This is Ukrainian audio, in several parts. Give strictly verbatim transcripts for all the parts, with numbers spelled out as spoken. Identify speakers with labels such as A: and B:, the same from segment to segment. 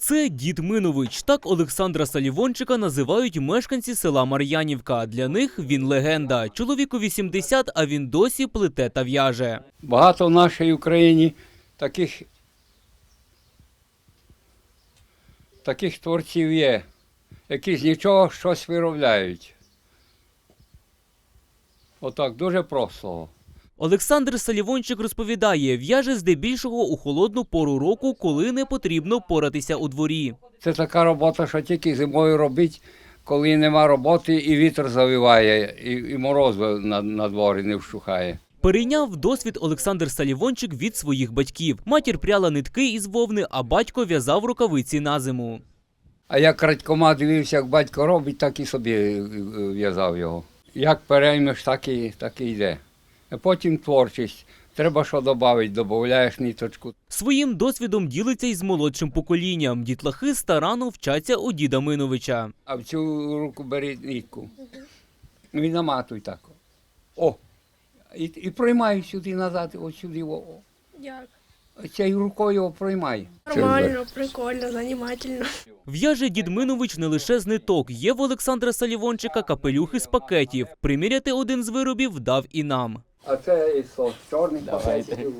A: Це дід Минович. Так Олександра Салівончика називають мешканці села Мар'янівка. Для них він легенда. Чоловіку вісімдесят, а він досі плете та в'яже.
B: Багато в нашій Україні таких, таких творців є, які з нічого щось виробляють. Отак, дуже просто.
A: Олександр Салівончик розповідає, в'яже здебільшого у холодну пору року, коли не потрібно поратися у дворі.
B: Це така робота, що тільки зимою робить, коли нема роботи і вітер завиває, і, і мороз на, на дворі не вщухає.
A: Перейняв досвід Олександр Салівончик від своїх батьків. Матір пряла нитки із вовни, а батько в'язав рукавиці на зиму.
B: А я крадькома дивився, як батько робить, так і собі в'язав його. Як переймеш, так і, так і йде. А потім творчість. Треба що додати, додаєш ниточку.
A: Своїм досвідом ділиться із молодшим поколінням. Дітлахи старанно вчаться у діда Миновича.
B: А в цю руку бери нитку. Ну і наматуй так. О! І, і проймай сюди назад, ось сюди. О.
C: Як?
B: Цією рукою проймай.
C: Нормально, прикольно, занимательно.
A: В'яже дід Минович не лише з ниток. Є в Олександра Салівончика капелюхи з пакетів. Приміряти один з виробів дав і нам.
B: А це із чорних пакетів.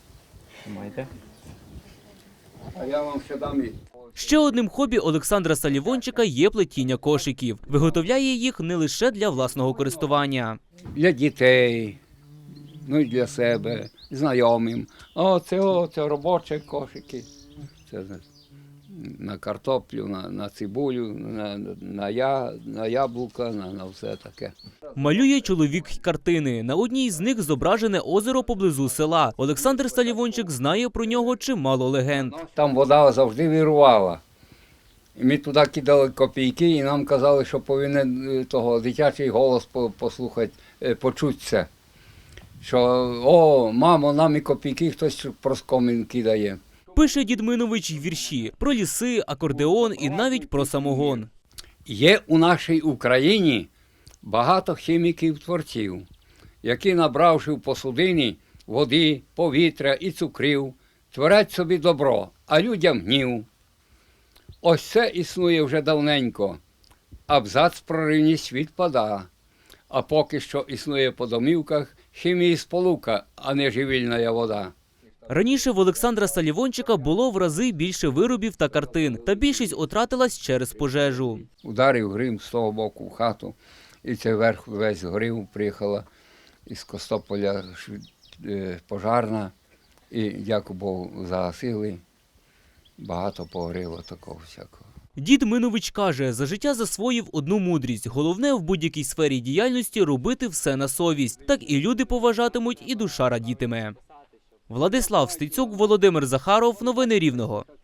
B: А я вам ще дам і...
A: Ще одним хобі Олександра Салівончика є плетіння кошиків. Виготовляє їх не лише для власного користування.
B: Для дітей, ну і для себе, знайомим. О, це, о, це робочі кошики. Це на картоплю, на, на цибулю, на, на, я, на яблука, на, на все таке.
A: Малює чоловік й картини. На одній з них зображене озеро поблизу села. Олександр Салівончик знає про нього чимало легенд.
B: Там вода завжди вирувала. І ми туди кидали копійки, і нам казали, що повинен того дитячий голос послухати, почути це. Що, о, мамо, нам і копійки хтось проскомін кидає.
A: Пише дід Минович й вірші про ліси, акордеон і навіть про самогон.
B: Є у нашій Україні багато хіміків-творців, які, набравши в посудині води, повітря і цукрів, творять собі добро, а людям гнів. Ось це існує вже давненько. Абзац про рівність відпада. А поки що існує по домівках хімії сполука, а не живільна вода.
A: Раніше в Олександра Салівончика було в рази більше виробів та картин, та більшість отратилась через пожежу.
B: Ударив грим з того боку в хату, і цей верх весь згорів, приїхала із Костополя пожарна, і, дякую Богу, загасили. Багато погоріло такого всякого.
A: Дід Минович каже, за життя засвоїв одну мудрість. Головне в будь-якій сфері діяльності робити все на совість. Так і люди поважатимуть, і душа радітиме. Владислав Стецюк, Володимир Захаров. Новини Рівного.